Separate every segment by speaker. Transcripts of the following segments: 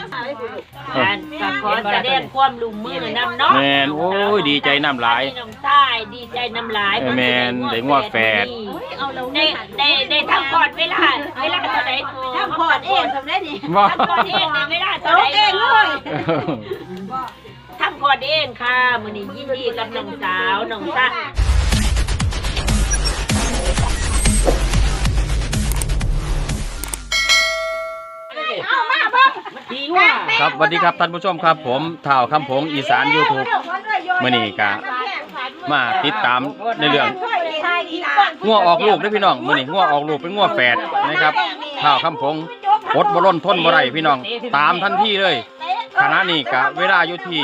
Speaker 1: ก็ขอแสดงความลุ่มมือนำเนาะ
Speaker 2: แมนโอ้ยดีใจน้ำหลาย
Speaker 1: น้ำใต้ดีใจน้ำหลาย
Speaker 2: แมนได้งัวแฝด
Speaker 1: ได้ทำพอดเวลาเท่าไหร่ทำพอดเองทำได้ดิทำพอดเองเวลาเท่าไหร่เองเลยทำพอดเองค่ะมื้อนี้ยินดีกับน้องสาวน้องซ่า
Speaker 2: ครับสวัสดีครับท่านผู้ชมครับผมท่าวคำผงอีสาน YouTube มื้อนี้ก็มาติดตามในเรื่องงัวออกลูกด้วยพี่น้องมื้อนี้งัวออกลูกเป็นงัวแฝดนะครับท่าวคำผงอดบ่ล้นทนบ่ได้พี่น้องตามทันทีเลยขณะนี้ก็เวลาอยู่ที่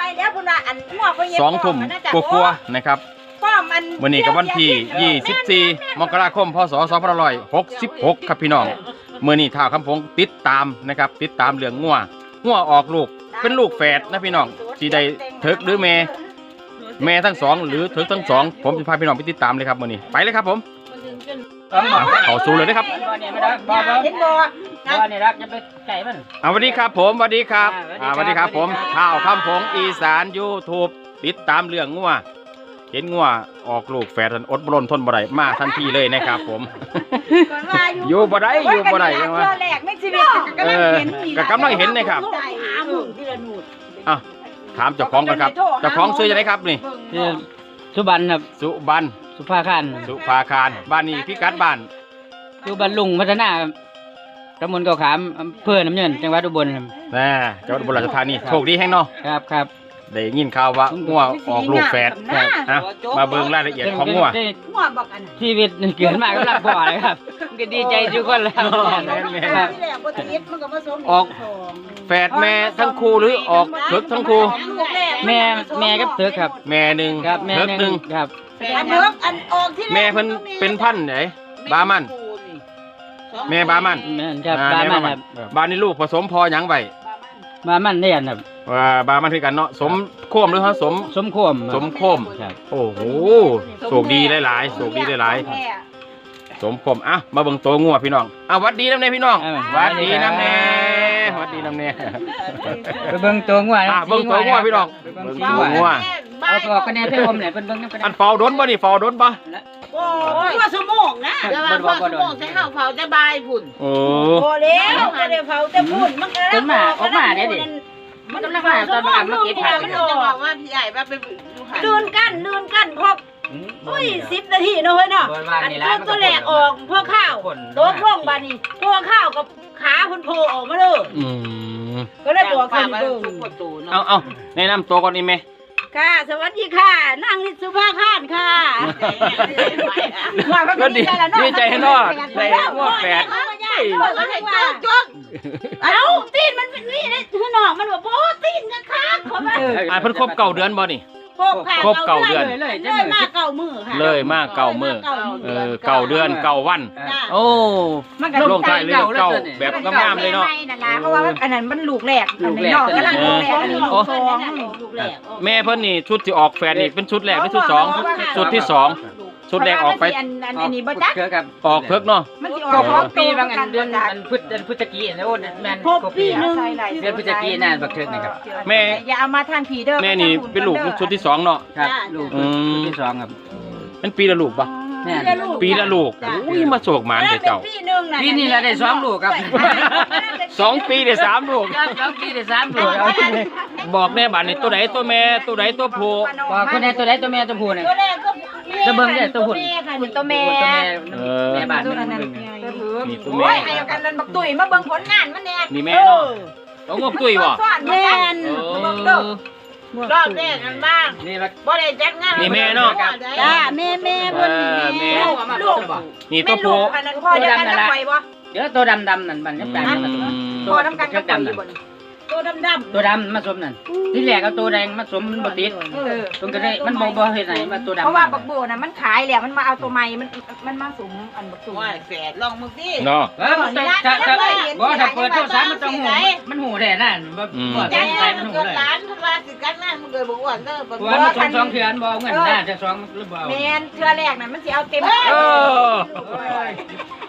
Speaker 2: 2 ทุ่มกว่าๆนะครับมื้อนี้ก็วันที่24 มกราคม พศ 2566ครับพี่น้องมื้อนี้ท่าวคำผงติดตามนะครับติดตามเรื่องงัวออกลูกเป็นลูกแฝดนะพี่น้องสิได้เถิกหรือแม่ทั้งสองหรือเถิกทั้งสองผมจะพาพี่น้องไปติดตามเลยครับมื้อนี้ไปเลยครับผมเข้าสู่เลยนะครับสวัสดีครับผมสวัสดีครับสวัสดีครับผมท่าวคำผงอีสาน YouTube ติดตามเรื่องงัวเห็นงัวออกลูกแฝดอดบ่ล้นทนบ่ได้มาทันทีเลยนะครับผมอยู่บ่ได้อยู่บ่ได้ยังว่าก็กำลังเห็นนะครับอ้าวถามเจ้าของกันครับเจ้าของชื่อจะไหนครับนี่
Speaker 3: สุบันครับ
Speaker 2: สุบัน
Speaker 3: สุภาคาร
Speaker 2: บ้านนี้พิกัดบ้าน
Speaker 3: อยู่บ้านลุงพัฒนาตำบลเกาะขามอำเภอน้ำเงินจังหวัดอุบลครับ
Speaker 2: จังหวัดอุบลราชธานีโชคดีแห่งเนาะ
Speaker 3: ครับ
Speaker 2: ได้ยินข่าวว่างัวออกลูกแฝดนะมาเบิ่งรายละเอียดของงัว
Speaker 3: ชีวิตเกิดมาก็รักพ่อเลยครับก็ดีใจทุกคนแล้ว
Speaker 2: ออกแฝดแม่ทั้งคู่หรือออกเถิกทั้งคู่
Speaker 3: แม่กับเถิกครับ
Speaker 2: แม่หนึ่งเถิกหนึ่ง
Speaker 3: ครับ
Speaker 2: แม่เพิ่นเป็นพันธุ์ไหนบามันแม่บามัน
Speaker 3: ครับบามันครับ
Speaker 2: บานี่ลูกผสมพอหยังไว้
Speaker 3: บามันเนี่ยครับ
Speaker 2: ว่าบามันคือกันเนาะสมโคมหรือฮะ
Speaker 3: สมโคม
Speaker 2: ครับโอ้โหโชคดีหลายๆโชคดีหลายๆสมโคมอ่ะมาเบิ่งตัวงัวพี่น้องหวัดดีน้ำเน่พี่น้องหวัดดีน้ำเน่
Speaker 3: ไปเบิ่งตัวงัว
Speaker 2: เบิ่งตัวงัวพี่น้องเบิ่งตัวงัว
Speaker 3: เอาตัวคะแนนเพิ่มเนี่ยเพิ่นเบิ่งนำกัน
Speaker 2: อันเฝ้าดนบ่นี่เฝ้าดนบ่
Speaker 1: โอ้ยว่าสมองนะแล้วว่าสมองใช้ข้าวเผาจะบายพุ่น
Speaker 2: โอ้
Speaker 1: แล้วจะได้เผาจะพุ่นมันก็
Speaker 3: แล้วออกมาเด้ดิ
Speaker 1: มันกำลังมาตอนมาเก็บผักมันจะบอกว่าพี่ใหญ่ว่าเป็นลื่นกันพออุ้ย10 นาทีเนาะเฮ้ยเนาะตัวแหลกออกพ่อข้าวตัวพ่องบานี่พ่อข้าวกับขาพุ่นโผล่ออกมาเลยก็ได้บอกคนเบิ่ง
Speaker 2: เอาแนะนำตัวก่อนนี่แม่
Speaker 1: ค่ะสวัสดีค่ะนางนิสุภาคารค่ะ
Speaker 2: ก็ดีใจเนาะได้งัวแฝด
Speaker 1: เอาตีนมันเป็นนี่เลยคือนอกมันบอกโอ้ตีนกันค่ะขอมา
Speaker 2: เพิ่นครบ9 เดือนบ่นี่ครบ9 เดือน
Speaker 1: เลยมา9 มื้อค่ะ
Speaker 2: เลยมา9 มื้อ9 เดือน9 วันโอ้ลงท้ายเลย9แบบงามๆเลยเนาะ
Speaker 1: เพราะว่าอันนั้นมันลูกแรกนอกกำลังลูกแรก
Speaker 2: แม่เพิ่นนี่ชุดที่ออกแฝดนี่เป็นชุดแรกหรือชุด2ชุดที่2ชุดแรกออกไป
Speaker 1: อันนี้บ่จัก
Speaker 2: ออกเพิกเนาะ
Speaker 3: มันสิออกปีบางอันเดือนพฤศจิกายนแล้วแม่น
Speaker 1: ครบปีนึง
Speaker 3: เดือนพฤศจิกายนน่ะบักเทิกนี่ครับ
Speaker 2: แม่
Speaker 1: อย่าเอามาทางผีเด้อ
Speaker 2: แม่นี่เป็นลูกชุดที่2เนาะ
Speaker 3: ครับลูกชุดที่2ครับ
Speaker 2: เป็นปีละลูกป่ะปีละลูกอุ้ยมาโศกหมานเจ้า
Speaker 3: ปีนี้ละได้2 ลูกครับ
Speaker 2: 2 ปีได้3 ลูก
Speaker 3: 2 ปีได้3 ลูก
Speaker 2: บอกแน่บัดนี้ตัวไหนตัวแม่ตัวไหนตัวผู้
Speaker 3: บอกคนไหนตัวไหนตัวแม่ตัวผู้เนี่ยจะเบิ่งได้ตัวผู้
Speaker 1: ตัวแม่
Speaker 3: แม่บ้าน
Speaker 2: นี่ตัวแม่
Speaker 1: ให้กันนั่นบักตุ้ยมาเบิ่งผลงานมันแน่
Speaker 2: นี่แม่เนาะต้องงบตุ้ยบ่
Speaker 1: แม่นรอบแรกกันบ้าง
Speaker 3: นี่
Speaker 1: บ่ได้จัดงาน
Speaker 2: นี่แม่เนาะ
Speaker 1: จ้าแม่เพิ่นนี่ลูก
Speaker 2: นี่ตัวผู้
Speaker 1: อันนั้นพ่อจะกันไปบ่
Speaker 3: เดี๋ยวตัวดำนั่นมันยังแต่
Speaker 1: พ่อน้ำกันก็ไปอยู่บ่ตัวดำ
Speaker 3: มาสมนั่นที่แรกเอาตัวแดงมาสมมันบ่ติดตรงก็ได้มันบ่เฮ็ดไหนมาตัวดำ
Speaker 1: เพราะว่าบักโบน่ะมันขายแล้วมันมาเอาตัวใหม่มันมาสมอันบักตุ่มว่าแฝดลองมึงสิ
Speaker 2: เนาะ
Speaker 3: ถ้าเปิดโทรศัพท์มันต้องหูมันหูแท้นั่นบ่
Speaker 1: ใจมันหูเลยร้านเพิ่นว่าสิกันนั่นมันเกิดบ่อ้วนเด้อบ่
Speaker 3: ว่ามัน2 เทื่อบ่เงินน่าจะ2หรือบ่
Speaker 1: แม่นเทื่อแรกน่ะมันสิเอาเต็ม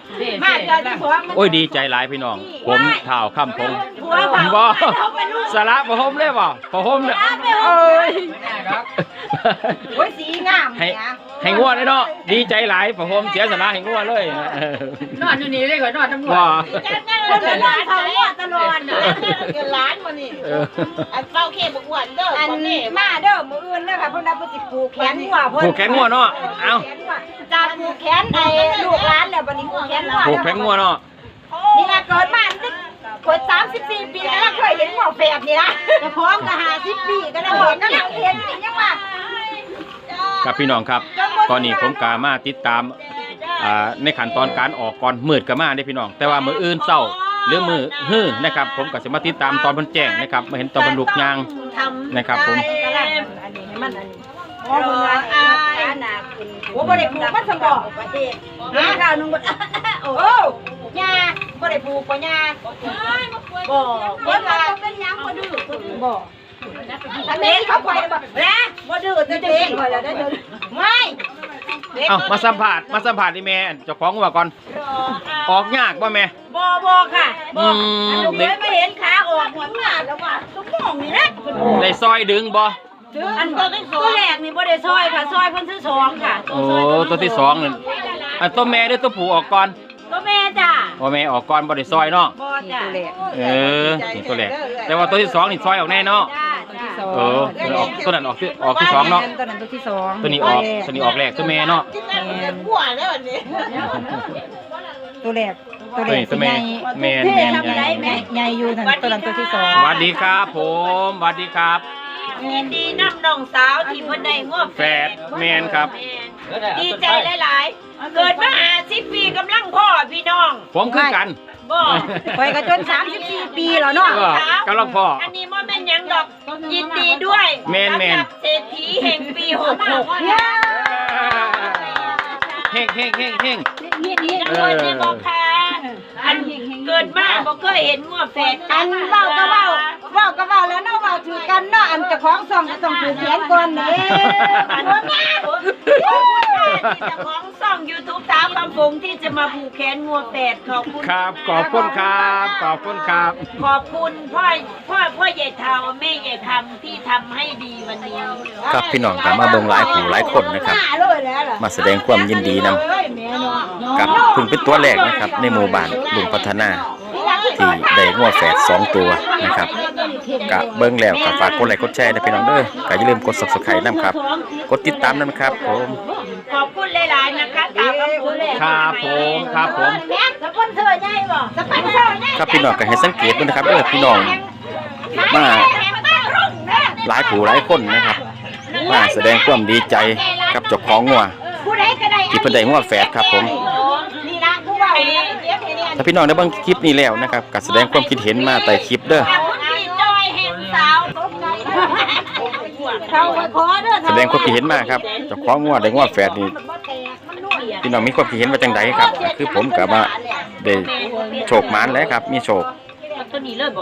Speaker 1: มาเดือนที่สอง
Speaker 2: โอ้ยดีใจหลายพี่น้องผมเท้าค่ำพง
Speaker 1: ผัวเผา
Speaker 2: บ่สาระบ่ห่มเลยบ่บ่ห่มเลยเอ้ย
Speaker 1: โอ้ยสีงาม
Speaker 2: ให้งัวเลยเนาะดีใจหลายบ่ห่มเสียสาระให้งัวเลย
Speaker 3: นอนอยู่นี่เลยก่อนนอนตำรวจ
Speaker 2: ว่า
Speaker 1: คนละร้านเขาตลอดเกินล้านมานี่อันเฝ้าเข็มอ้วนเด้ออันมาเด้อมืออื่นเด้อค่ะเพิ่นได้เพิ่นสิผูกแขนงัวเพิ่น
Speaker 2: ผูกแขนงัวเนาะเอ้า
Speaker 1: จะผูกแขนไอ้ลูกหลานแล้วบัดนี้ผูกแขนงัว
Speaker 2: ผูกแขนงัวเนาะ
Speaker 1: นี่ล่ะเกิดมาเกิด34 ปีแล้วเคยเห็นหัวแฝดนี่นะจะพร้อมกับ50 ปีก็ได้บอกก็ยังเห็นนี่ยังว่า
Speaker 2: ครับพี่น้องครับตอนนี้ผมกามาติดตามในขั้นตอนการออกก่อนมืดก็มาได้พี่น้องแต่ว่ามื้ออื่นเช้าหรือมื้อฮื้อนะครับผมก็สิมาติดตามตอนเพิ่นแจ้งนะครับมาเห็นตอนบรรลุยางนะครับผม
Speaker 1: อันนี้ให้มันอันนี้โอ้เพิ่นว่าอันน่ะคุณโอ้บ่ได้ผูกมันสมบอกประเทศนะข้าวนึงบ่โอ้ย่าบ่ได้ผูกบ่ย่าบ่เพิ่นว่าเป็นหยังบ่ดื้อบ่อันนี้เขาปล่อยบ่นะบ่ดื้อจะเด็กบ่แล้วได้เด้อไม่
Speaker 2: เอ้ามาสัมภาษณ์นี่แม่เจ้าของว่าก่อนออกยากบ่แม่
Speaker 1: บ่ค่ะบ่อันลูกเคยไม่เห็นขาออกหัวหน้าแล้วว่าสมองนี่นะ
Speaker 2: ได้ซอยดึงบ่
Speaker 1: อันตัวแรกนี่บ่ได้ซอยค่ะซอยเพิ่นซื้อ2ค่ะ
Speaker 2: โอ้ตัวที่สองนั่นอันตัวแม่หรือตัวผู้ออกก่อน
Speaker 1: ตัวแม่จ้ะ
Speaker 2: ว่าแม่ออกก่อนบ่ได้ซอยเนาะ
Speaker 1: บ่จ้ะ
Speaker 2: นี่ตัวแรกแต่ว่าตัวที่สองนี่ซอยออกแน่เนาะ
Speaker 1: จ้ะ
Speaker 2: ออกตัวนั้นออกที่สองเนาะ
Speaker 4: ตัวนั้นตัวที่สอง
Speaker 2: ตัวนี้ออกแรกตัวแม่เนาะ
Speaker 4: ตัวแรก
Speaker 2: ตัวแม่แม่
Speaker 4: ใหญ่อยู่นั่นตัวนั้นตัวที่สอง
Speaker 2: สวัสดีครับผมสวัสดีครับ
Speaker 1: ยินดีนำน้องสาวที่เพิ่นได้งว
Speaker 2: แฝดแมนครับ
Speaker 1: ดีใจหลายๆเกิดมา50 ปีกำลังพ่อพี่น้อง
Speaker 2: ผมคือกัน
Speaker 1: บ่
Speaker 4: ไปกันจน34 ปีแล้วเนาะ
Speaker 2: ก็กำลังพ่อ
Speaker 1: อันนี้บ่แม่นหยังดอกยินดีด้วย
Speaker 2: แม่น
Speaker 1: สำหรับเศรษฐีแห่งปี66
Speaker 2: เฮ้ง
Speaker 1: นี่ด้วยนี่บอกค่ะอันเกิดมาบ่เคยเห็นงัวแฝดอันเว้าก็เว้าแล้วเนาะเว้าถือกันเนาะอันเจ้าของซ่องก็ต้องผูกแขนก่อนเด้อันนี้เจ้าของซ่อง YouTube สาวคำฟงที่จะมาผูกแขนงัวแฝดขอบคุณ
Speaker 2: ครับขอบคุณครับขอบคุณครับ
Speaker 1: ขอบคุณพ่อใหญ่เฒ่าแม่ใหญ่คำที่ทำให้ดีวันนี้
Speaker 2: ครับพี่น้องก็มาเบิ่งหลายผู้หลายคนนะครับ มาแสดงความยินดีนำกับเพิ่งเป็นตัวแรกนะครับในหมู่บ้านลุงพัฒนาที่ได้งัวแฝด2ตัวนะครับกะเบิ่งแล้วก็ฝากกดไลค์กดแชร์ด้วยพี่น้องเด้อก็อย่าลืมกด Subscribe นำครับกดติดตามนำครับผม
Speaker 1: ขอบคุณหลายๆนะคะตามคำพูดเลย
Speaker 2: ครับผม
Speaker 1: สปอนเซอร์ใหญ่บ่สปอนเซอร์ใหญ่
Speaker 2: ครับพี่น้องก็ให้สังเกตด้วยนะครับเด้อพี่น้องมาหลายผู้หลายคนนะครับมาแสดงความดีใจกับเจ้าของงัว
Speaker 1: ผู้ใดก็ได้
Speaker 2: ที่เพิ่นได้งัวแฝดครับผม
Speaker 1: นี่นะผู้ว่าเนี่ย
Speaker 2: ถ้าพี่น้องได้เบิ่งคลิปนี้แล้วนะครับก็แสดงความคิดเห็นมาใต้คลิปเด้อ
Speaker 1: คุณพี่จอยเห็นสาวเขาขอเด้อ
Speaker 2: แสดงความคิดเห็นมาครับเจ้าของงัวได้งัวแฝดนี่พี่น้องมีความคิดเห็นว่าจังไดครับก็คือผมก็ว่าได้โชคหมานแล้วครับมีโชค
Speaker 1: ตัวนี้เลยบ่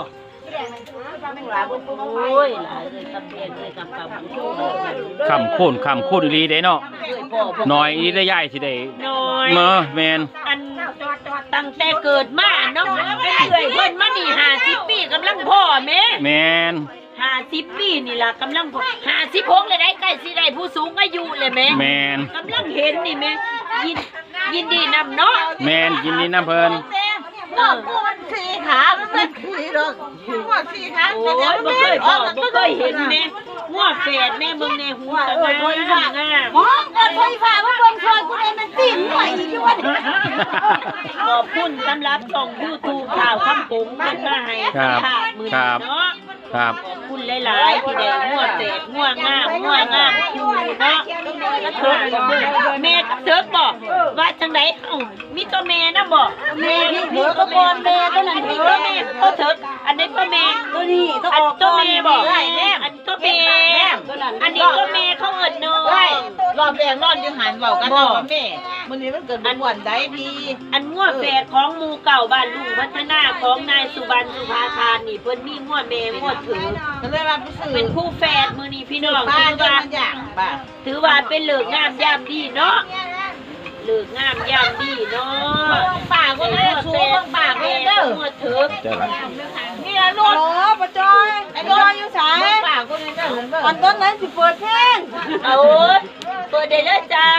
Speaker 1: โอ้ยหลายเลยตำเพียนเลยกำ
Speaker 2: คำโค่นอีหลีเด้เนาะน้อยอีได้ใหญ่สิได้
Speaker 1: น้อย
Speaker 2: เนาะแม่น
Speaker 1: อันตั้งแต่เกิดมาเนาะเป็นเอื่อยเพิ่นมานี่50 ปีกำลังพ่อแม่
Speaker 2: แม่น
Speaker 1: 50 ปีนี่ล่ะกำลังพ่อ56เลยได้ใกล้สิได้ผู้สูงอายุเลยแม่
Speaker 2: แม่น
Speaker 1: กำลังเห็นนี่แม่ยินดีนำเนาะ
Speaker 2: แม่นยินดีนํเพิ่น
Speaker 1: มันสี่ขามันขี่รถหัวสี่ขาโอ้ยบ่เคยพ่อบ่เคยเห็นแม่หัวแฝดแม่เบิ่งในหัวตะงามมองเอิ้นไฟฟ้าว่าเบิ่งช่วยกูได้มันติ่มหน่อยอีกอยู่วะขอบคุณสำหรับช่อง YouTube ข่าวคำปุ๋งเพิ่นมาให้สัมภาษณ์มื้อนี้เนาะ
Speaker 2: ครับ
Speaker 1: ขอบคุณหลายๆที่ได้งัวแฝดงัวงามอยู่เนาะแล้วเถิกแม่กับเถิกบอกว่าจังได๋เอ้ามีตัวแม่นำบ่แม่พี่ก็บ่แม่ตัวนั้นพี่ก็แม่เขาเถิกอันนี้ก็แม่ตัวนี้อันตัวแม่บ่อันตัวแม่อันนี้ตัวแม่เขาเอิ้นเนาะ
Speaker 5: รอบแรกนอนอยู่หันเว้ากันว่าแม่มื้อนี้มันเกิดบ่วนใดพี่
Speaker 1: อันงัวแฝดของหมู่เก่าบ้านลุงพัฒนาของนายสุบรรณสุภาคารนี่เพิ่นมีงัวแม่งัวถือ
Speaker 5: ก็เลยว่าไปซื้อ
Speaker 1: เป็นคู่แฝดมื้อนี้พี่น้อง
Speaker 5: บ้านก็มันอย่างบ้า
Speaker 1: ถือว่าเป็นเลิกงามยามดีเนาะเลือกงามย่ำดีเนาะปากก็ได้สูงปากก็ได้หัวเถิก
Speaker 2: เจ้าละ
Speaker 5: นี่ละร
Speaker 4: โอ้
Speaker 5: ถ
Speaker 4: ปะจอยไอ้จอยอยู่สาย
Speaker 5: ปากก็ได้เด้อเบิ่ง
Speaker 4: ตอนต้นนั้นสิเปิดเพลง
Speaker 1: เอาเปิดได้เลยจ้า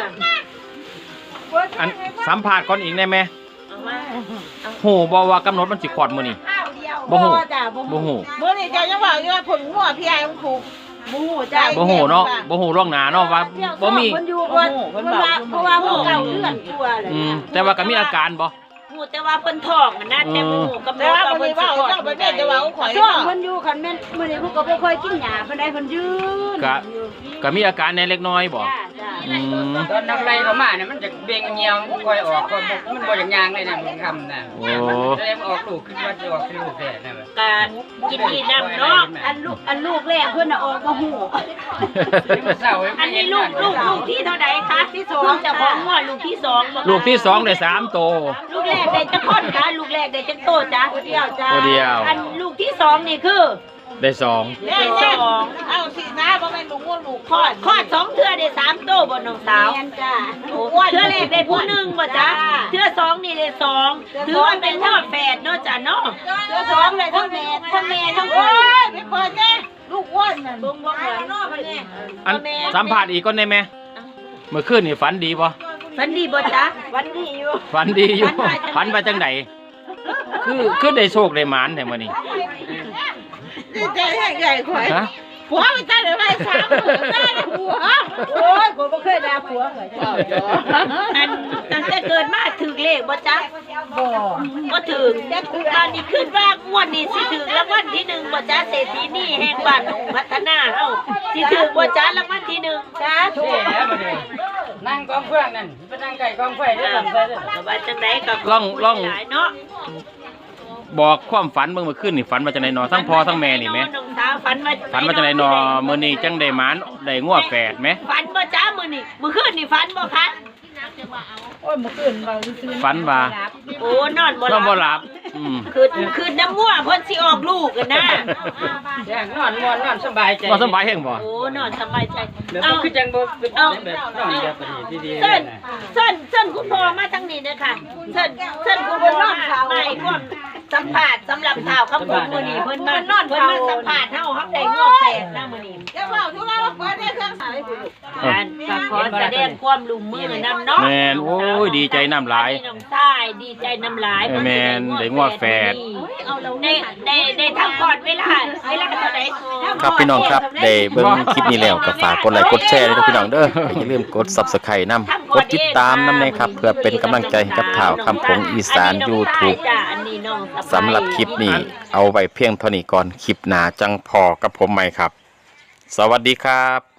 Speaker 2: อันสัมภาษณ์ก่อนอีกได้ไหม
Speaker 1: เอามา
Speaker 2: โหบ่ว่ากำหนดมันสิขอดมื้อนี้บ่ฮู้
Speaker 4: จ้า
Speaker 2: บ่ฮู้
Speaker 5: มื้อนี้เจ้ายังว่าอยู่ว่าผลหัวพี่ไอ้มันผูก
Speaker 4: บูจ้า
Speaker 2: บ่ฮู้เนาะบ่ฮู้ล่วงหน้าเนาะว่าบ่มี
Speaker 4: คนอยู่บ่เพราะว่าหมู่เก่าเลื่อนกลัวเลย
Speaker 2: แต่ว่าก็มีอาการบ่
Speaker 1: หูแต่ว่าเพิ่นท้องนะแต่บ่หูกำ
Speaker 5: แต่
Speaker 1: ลัง
Speaker 5: ว่า
Speaker 1: ว่า
Speaker 5: บ่
Speaker 1: เพิ่
Speaker 5: ได้
Speaker 1: นสิ
Speaker 5: ว่า
Speaker 1: คลอด
Speaker 5: เจ้าไปแม่จะว่าข่อย
Speaker 4: ช่วงเพิ่นอยู่คันแม่นมื้อนี้เพิ่นก็บ่ค่อยกินหญ้าเพิ่นได้เพิ่นยืน
Speaker 2: ก็มีอาการในเล็กน้อยบ่
Speaker 4: จ้าจ้า
Speaker 3: ตอนนักไล่เขามาเนี่ยมันจะเบ่งเงียวค่อยออกก็มันบ่อย่างยางเลยนะมันคำน่ะ
Speaker 2: โอ้
Speaker 3: แสดงออกลูกขึ้นว่าจะออกคือลูกแฝดนะ
Speaker 1: การกินดีน้ำเนาะ
Speaker 4: อันลูกแรกเพิ่นน่ะออกมาหู
Speaker 1: อันนี้ลูกที่เท่าใดคะที่สองเจ้าของหัวลูกที่สองบ่คะ
Speaker 2: ลูกที่2ได้3โต
Speaker 1: ลูกแรกได้จักคนคะลูกแรกได้จักโตจ้ะตัวเดียวจ้ะ
Speaker 2: ตัวเดียว
Speaker 1: อันลูกที่สองนี่คือ
Speaker 2: ได้2
Speaker 5: แม่เอาสินะบ่แม่นลูกงัวลูก
Speaker 1: คลอดสองเทื่อได้สามโตบ่น้องสาว
Speaker 4: แม่นจ้า
Speaker 1: เทื่อแรกได้ผู้หนึ่งบ่จ๊ะเทื่อสองนี่ได้สองถือว่าเป็นทอดแฝดเนาะจ้ะเนาะ
Speaker 4: เจ้าสองเลยทั้งแม่ทั้ง
Speaker 5: โอ้ยไปเปิดแน่ลูกอ้วนนั่น
Speaker 1: บ่บ่เหมือนเนาะเพิ่นนี่
Speaker 2: อันสัมภาษณ์อีกก่อนได้ไหมเมื่อคืนนี่ฝันดีบ่
Speaker 1: ฝันดีบ่จ๊ะฝันดีอยู่
Speaker 2: ฝันดีอยู่ฝันไปจังไดคือได้โชคได้หมานแท้มื้อนี้
Speaker 5: ดีใจใหญ่ข่อย
Speaker 2: ฮะ
Speaker 5: ผัวไปตั้งแต่ไว้3มื้อได้ผัว
Speaker 4: โอ้ยกูบ่เคยด่าผัวเลยจ้า
Speaker 1: อันตั้งแต่เกิดมาถึงเลขบ่จ๊ะ
Speaker 4: บ่
Speaker 1: บ่ถึงตอนนี้ขึ้นว่างวดนี้สิถึงรางวัลที่หนึ่งบ่จ๊ะเศรษฐีนี่แห่งบ้านหนองพัฒนาเฮาสิถึงบ่จ๊ะรางวัลที่หนึ่งจ้าถูก
Speaker 3: นั่งกองเฟืองนั่นไปนั่งไก่กองไฟได้ลำไส้เด้อ
Speaker 1: สบายจังได๋ก็
Speaker 2: ลอง
Speaker 1: หลายเนาะ
Speaker 2: บอกความฝันเบิ่งเมื่อคืนนี่ฝันว่าจังไดนอทั้งพ่อทั้งแม่นี่แหม
Speaker 1: น้องสาวฝันว่า
Speaker 2: ฝันว่าจังไดนอมื้อนี้จังได้หมานได้งัวแฝดแหม
Speaker 1: ฝันบ่จ๊ะมื้อนี้มื้อคืนนี่ฝันบ่คะ
Speaker 4: โอ้ยเมื่อคืนเราซื้อ
Speaker 2: ฝันว่า
Speaker 1: โอ้นอนบ่ห
Speaker 2: น้
Speaker 1: ลั
Speaker 2: องบ่หลับ
Speaker 1: คือน้ำมั่วเพิ่นสิออกลูกกันนะ
Speaker 3: แจ้งนอนม่วนนอนสบายใจ
Speaker 2: บ่สบายแฮงบ่
Speaker 1: โอ้นอนสบายใจ
Speaker 3: เดี๋ยว
Speaker 1: เอา
Speaker 3: คือจังบ่แบบนอนแบบดีๆ
Speaker 1: เส้น
Speaker 3: นะ
Speaker 1: เส้นคุณพ่อมาทางนี้เด้อค่ะเส้นคุณพ่อมาไม่ร่วมสัมภาษณ์สำหรับข่าวคำพูดมื้อนี้เพิ่นมาสัมภาษณ์เฮาได้งอกแฝดนะมื้อนี้
Speaker 5: จะว่าทุเราเปิดได้เครื่องสายผู้ลูก
Speaker 1: การก็ขอแสดงความร่วมมือนำเนาะ
Speaker 2: แม่นโอ้ยดีใจน้ำหลาย
Speaker 1: น้องชายดีใจน้ำลาย
Speaker 2: แม่นได้งอกแฝด
Speaker 1: ได้ทำก่อนเวลาเท่าไหร่
Speaker 6: ครับพี่น้องครับได้เบิ่งคลิปนี้แล้วก็ฝากกดไลค์กดแชร์ด้วยพี่น้องเด้ออย่าลืมกด Subscribe นำกดติดตามนำนะครับเพื่อเป็นกำลังใจให้กับข่าวคำผงอีสาน YouTube สำหรับคลิปนี้เอาไว้เพียงเท่านี้ก่อนคลิปหน้าจังพอกับผมใหม่ครับ สวัสดีครับ